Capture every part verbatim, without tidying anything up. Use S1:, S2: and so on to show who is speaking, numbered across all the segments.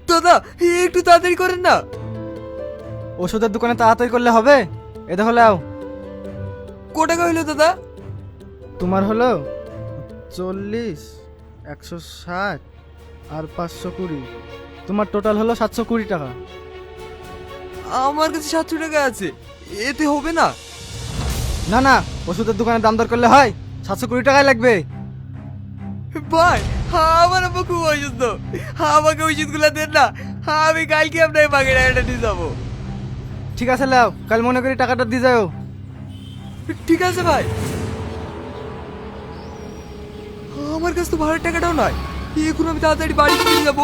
S1: দাদা একটু তাড়াতাড়ি করেন না।
S2: ওষুধের দোকানে তাড়াতাড়ি করলে হবে? এ দেখো লাও।
S1: কো টাকা হইলো দাদা?
S2: তোমার হলো চল্লিশ, একশো ষাট আর পাঁচশো কুড়ি। তোমার টোটাল হলো সাতশো কুড়ি টাকা।
S1: আমার কাছে সাতশো টাকা আছে, এতে হবে না?
S2: না না, ওষুধের দোকানে দাম দর করলে হয়, সাতশো কুড়ি টাকাই লাগবে।
S1: ভাই আমার আব্বা খুব অসুস্থ, আমাকে ওষুধগুলো দেন না, আমি কালকে আপনাকে বাকি টাকাটা দিয়ে যাবো।
S2: ঠিক আছে লাও, কাল মনে করি টাকাটা দিয়ে যাও।
S1: ঠিক আছে ভাই। আমার কাছে তো ভাড়ার টাকাটাও নয়, এখন আমি তাড়াতাড়ি বাড়ি চলে যাবো।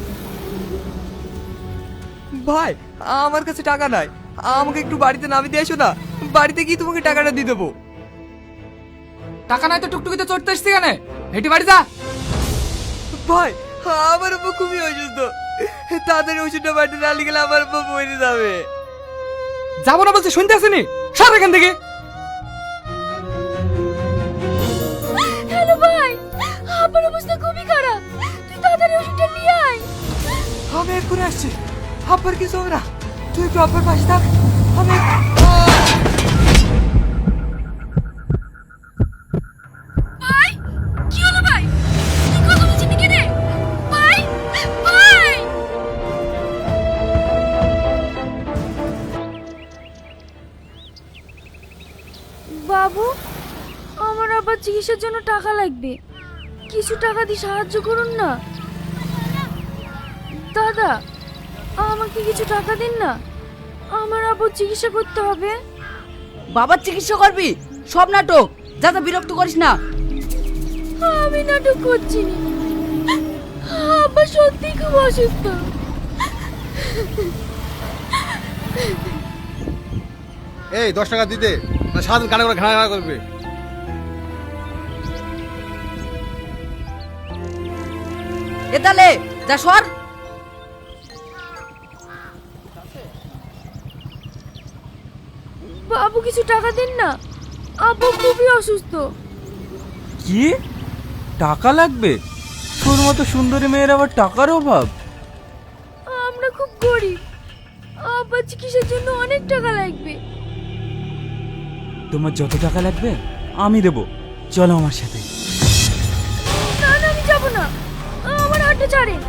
S1: ভাই আমার কাছে টাকা নাই, আমাকে একটু বাড়িতে নামিয়ে দিয়ে এসো না, বাড়িতে গিয়ে তোমাকে টাকাটা দিয়ে দেবো।
S3: টাকা নাই তো টুকটুকিতে চড়তে এসছি কেন? হেঁটে বাড়ি যা।
S1: ভাই আমার আব্বা খুবই অসুস্থ, তাড়াতাড়ি ওষুধটা বাড়িতে না নিয়ে গেলে আমার আব্বা মরে যাবে।
S3: যাবো না বলছে, শুনতে আসেনি? সর এখান থেকে।
S4: হ্যালো ভাই, আমার অবস্থা খুবই খারাপ, তুই তাড়াতাড়ি ওষুধটা নিয়ে আয়।
S1: আমি এক্ষুনি আসছি, আব্বার কিছু হবে না, তুই একটু আব্বার পাশে থাক। আমি
S4: ভাই কি হলো ভাই? তুই কথা বলছিস নাকি রে? ভাই ভাই বাবু, আমার আবার চিকিৎসার জন্য টাকা লাগবে, কিছু টাকা দিয়ে সাহায্য করুন না। দাদা আমাকে কিছু টাকা দিন না, আমার আবার চিকিৎসা করতে হবে।
S5: বাবার চিকিৎসা করবি? সব নাটক, যাতে বিরক্ত করিস না।
S4: আমি নাটক করছি না, আব্বা সত্যি খুব অসুস্থ।
S2: এই দশ টাকা দিতে, না সারাদিন কানে করে ঘাড়া ঘাড়া করবে।
S5: এ তাহলে যা সর।
S4: বাবু কিছু টাকা দিন না, আব্বু খুবই অসুস্থ।
S1: কি টাকা লাগবে? তোর মতো সুন্দরী মেয়ের আবার টাকার অভাব?
S4: আমরা খুব গরিব, আব্বার চিকিৎসার জন্য অনেক টাকা লাগবে।
S1: তোমার যত টাকা লাগবে আমি দেবো, চলো আমার সাথে।
S4: না না আমি যাব না, আমার হাতটা ছাড়েন।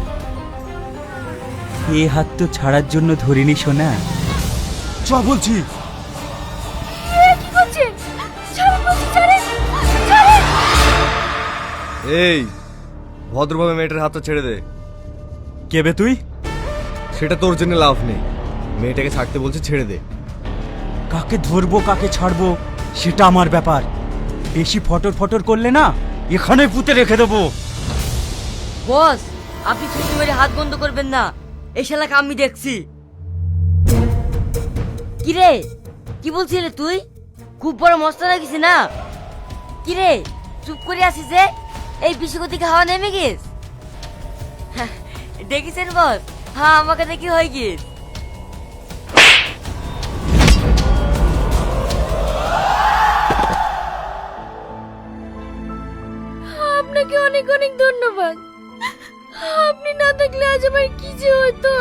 S1: এ হাত তো ছাড়ার জন্য ধরিনি সোনা, চ বলছি।
S4: এ কি করছেন? ছাড়েন বলছি, ছাড়েন ছাড়েন।
S6: এই ভদ্রভাবে মেয়েটার হাতটা ছেড়ে দে।
S1: কেবে তুই?
S6: সেটা তোর জন্য লাভ নেই, মেয়েটাকে ছাড়তে বলছে, ছেড়ে দে।
S1: কাকে ধরবো কাকে ছাড়বো সেটা আমার ব্যাপার, বেশি ফটর ফটর করলে না এখানে পুঁতে রেখে দেবো।
S5: বস, আপনি ছুটি মেরে হাত বন্ধ করবেন না, এই শালাকে আমি দেখছি। কি রে, কি বলছিলে তুই? খুব বড় মস্ত লাগিস না? কি রে চুপ করে আসিস যে? এই বিশুকো থেকে হাওয়া নেমে গেছ? দেখেছেন বস, হ্যাঁ আমাকে দেখি হয়ে গিয়েছ।
S4: আপনাকে অনেক অনেক ধন্যবাদ, আপনি না থাকলে আজ আমার কি যে হতো।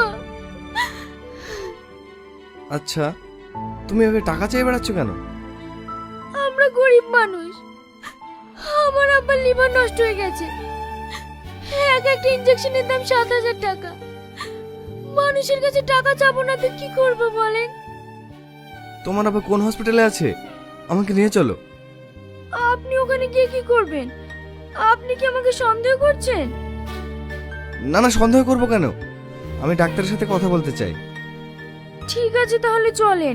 S6: আচ্ছা তুমি এভাবে টাকা চেয়ে বেড়াচ্ছ কেন?
S4: আমরা গরিব মানুষ, আমার আব্বার লিভার নষ্ট হয়ে গেছে, এক একটা ইনজেকশনের দাম সাত হাজার টাকা। মানুষের কাছে টাকা চাবো না তো কি করবো বলেন?
S6: তোমার আবার কোন হসপিটালে আছে? আমাকে নিয়ে চলো।
S4: আপনি ওখানে গিয়ে কি করবেন? আপনি কি আমাকে সন্দেহ করছেন?
S6: না না, সন্দেহ করবো কেন, আমি ডাক্তারের সাথে কথা বলতে চাই।
S4: ঠিক আছে তাহলে চলেন।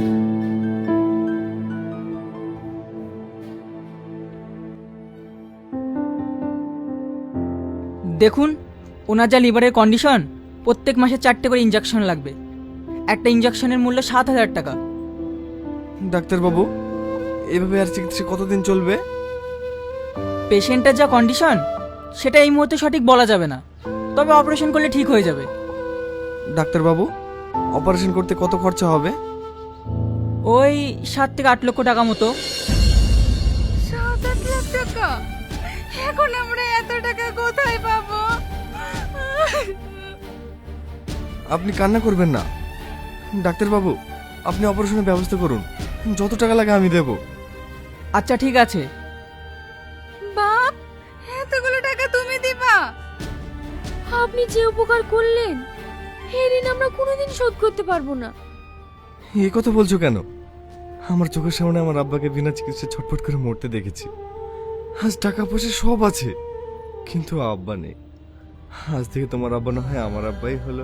S3: দেখুন ওনার যা লিভারের কন্ডিশন, প্রত্যেক মাসে চারটে করে ইঞ্জেকশন লাগবে, একটা ইঞ্জেকশনের মূল্য সাত হাজার টাকা।
S6: ডাক্তারবাবু এভাবে আর চিকিৎসা কতদিন চলবে?
S3: পেশেন্টের যা কন্ডিশন সেটা এই মুহূর্তে সঠিক বলা যাবে না, তবে অপারেশন করলে ঠিক হয়ে যাবে।
S6: ডাক্তারবাবু অপারেশন করতে কত খরচা হবে?
S3: ওই সাত থেকে আট লক্ষ টাকা মতো।
S4: সাত আট লাখ টাকা? এখন আমরা এত টাকা কোথায় পাবো?
S6: আপনি কান্না করবেন না। ডাক্তারবাবু, আপনি অপারেশনের ব্যবস্থা করুন, যত টাকা লাগে আমি দেব।
S3: আচ্ছা ঠিক আছে।
S4: বাপ, এতগুলো টাকা তুমি দিবা? আপনি যে উপকার করলেন এর ঋণ আমরা কোনোদিন শোধ করতে পারবো না।
S6: এই কথা বলছো কেন? আমার চোখের সামনে আমার আব্বাকে বিনা চিকিৎসায় ছটফট করে মরতে দেখেছি। আজ টাকা পয়সা সব আছে, কিন্তু আব্বা নেই। আজ থেকে তোমার আব্বা না হয় আমার আব্বাই হলো।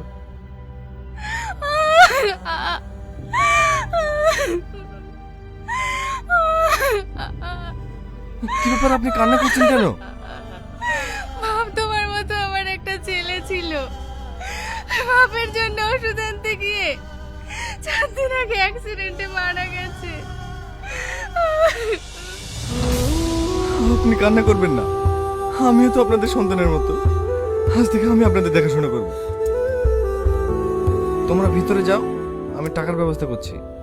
S6: কি ব্যাপার, আপনি কান্না করছেন কেন?
S4: বাপ, তোমার মতো আমার একটা ছেলে ছিল, বাপের জন্য ওষুধ আনতে গিয়ে চার দিন আগে অ্যাক্সিডেন্টে মারা গেছে।
S6: আপনি কান্না করবেন না, আমিও তো আপনাদের সন্তানের মতো। আজ থেকে আমি আপনাদের দেখাশোনা করব। তোমরা ভিতরে যাও, আমি টাকার ব্যবস্থা করছি।